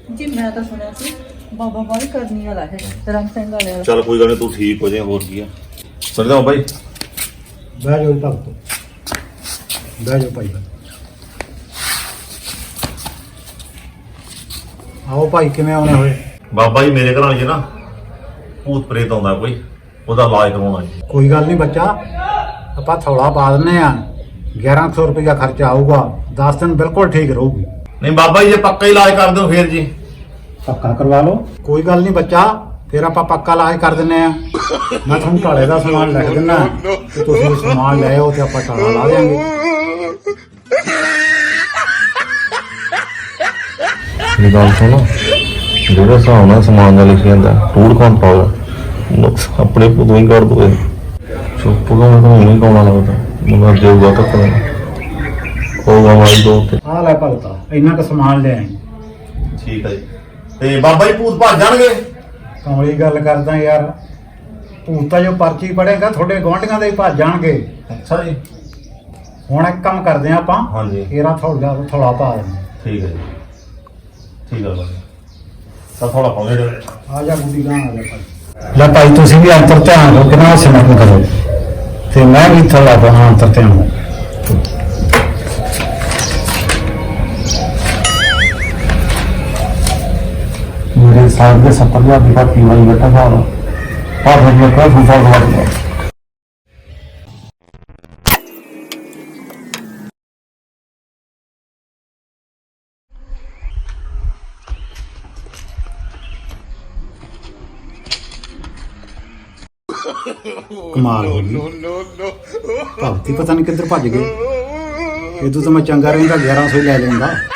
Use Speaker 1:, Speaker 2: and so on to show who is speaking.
Speaker 1: ਜੀ ਮੈਂ ਤਾਂ ਸੁਣਿਆ ਸੀ ਬਾਬਾ ਬਾਈ ਕਰਨੀ ਵਾਲਾ ਹੈ ਰੰਗ ਸਿੰਘ ਵਾਲੇ
Speaker 2: ਚੱਲ ਕੋਈ ਗੱਲ ਨਹੀਂ, ਤੂੰ ਠੀਕ ਹੋ ਜਾਏ, ਹੋਰ ਕੀ ਆ। ਸਮਝਦਾ ਬਾਈ,
Speaker 3: ਬਹਿ ਜਾਓ ਭਗਤੋ, ਬਹਿ ਜਾਓ ਭਾਈ। ਆਓ ਭਾਈ, ਕਿਵੇਂ ਆਉਣੇ ਹੋਏ?
Speaker 2: ਬਾਬਾ ਜੀ ਮੇਰੇ ਘਰਾਂ 'ਚ ਨਾ ਭੂਤ ਪ੍ਰੇਤ ਆਉਂਦਾ ਕੋਈ, ਉਹਦਾ ਇਲਾਜ ਕਰਵਾਉਣਾ ਜੀ।
Speaker 3: ਕੋਈ ਗੱਲ ਨਹੀਂ ਬੱਚਾ, ਆਪਾਂ ਥੋੜਾ ਪਾ ਦਿੰਨੇ ਆ। 1100 ਰੁਪਇਆ ਖਰਚਾ ਆਊਗਾ, 10 ਦਿਨ ਬਿਲਕੁਲ ਠੀਕ ਰਹੂਗੀ।
Speaker 2: ਨਹੀਂ ਬਾਬਾ ਜੀ, ਜੇ ਪੱਕਾ ਇਲਾਜ ਕਰ ਦਿਓ ਫੇਰ ਜੀ।
Speaker 3: ਪੱਕਾ ਕਰਵਾ ਲਓ। ਕੋਈ ਗੱਲ ਨਹੀਂ ਬੱਚਾ, ਫਿਰ ਆਪਾਂ ਪੱਕਾ ਇਲਾਜ ਕਰ ਦਿੰਨੇ ਆ। ਮੈਂ ਤੁਹਾਨੂੰ ਢਾਲੇ ਦਾ ਸਮਾਨ ਲਿਖ ਦਿੰਦਾ ਤੇ ਤੁਸੀਂ ਸਮਾਨ ਲੈ ਆਓ ਤੇ ਆਪਾਂ ਢਾਲਾ ਲਾ ਦੇਾਂਗੇ।
Speaker 2: ਇਹ ਗੱਲ ਸੁਣੋ, ਜਿਹੜੇ ਹਿਸਾਬ ਨਾਲ ਸਮਾਨ ਦਾ ਲਿਖਿਆ ਜਾਂਦਾ ਟੂੜ ਕੌਣ ਪਾਉਗਾ, ਆਪਣੇ ਪੁੱਤੋਂ ਹੀ ਕਰ ਦੋ। ਚੁੱਪ ਗਾ, ਮੈਂ ਤਾਂ ਨਹੀਂ ਕਾਉਣਾ ਲੱਗਦਾ, ਮੁੰਡਾ ਦੇਊਗਾ ਤਾਂ ਕਰਨਾ ਹੋਊਗਾ ਮਾਰੀ ਦੋ ਤੇ।
Speaker 3: ਆ ਲੈ ਭਗਤਾ, ਇੰਨਾ ਕੁ ਸਮਾਨ ਲੈ ਆਈ।
Speaker 2: ਠੀਕ ਹੈ ਜੀ। ਤੇ ਬਾਬਾ ਜੀ ਭੂਤ ਭੱਜ ਜਾਣਗੇ?
Speaker 3: ਕਮਲੀ ਗੱਲ ਕਰਦਾ ਯਾਰ, ਭੂਤ ਤਾਂ ਜੋ ਪਰਚੀ ਪੜੇਗਾ ਤੁਹਾਡੇ ਗੁਆਂਢੀਆਂ ਦੇ ਹੀ ਭੱਜ ਜਾਣਗੇ।
Speaker 2: ਅੱਛਾ ਜੀ।
Speaker 3: ਹੁਣ ਇੱਕ ਕੰਮ ਕਰਦੇ ਆ ਆਪਾਂ,
Speaker 2: ਹਾਂਜੀ।
Speaker 3: ਇਹਦਾ ਥੋੜਾ ਪਾ ਦਿੰਦੇ।
Speaker 2: ਠੀਕ ਹੈ ਜੀ, ਠੀਕ ਹੈ ਬਾਬਾ। ਤਾਂ ਥੋੜਾ ਪਾਉਂਦੇ ਰਹੇ।
Speaker 3: ਆ ਜਾ ਬੁੱਢੀ ਗਾਂ, ਆ ਜਾ ਭਾਈ। ਲੈ ਭਾਈ, ਤੁਸੀਂ ਵੀ ਅੰਤਰ ਧਿਆਨ ਰੱਖੋ, ਕਿੰਨਾ ਸਿਮਰਨ ਕਰੋ ਤੇ ਮੈਂ ਵੀ ਥੋੜਾ ਬਹਾ ਅੰਤਰ ਧਿਆਨ। ਮੇਰੇ ਸਾਥ ਦੇ 70,000 ਦੀ ਬਾਤ ਵਾਲੀ ਬੈਠਾ था और मैं क्या फूफा हुआ। कमाल हो गई, भगती पता नहीं किधर भज गए। ये तो मैं चंगा रहा 1100 ले लेंदा।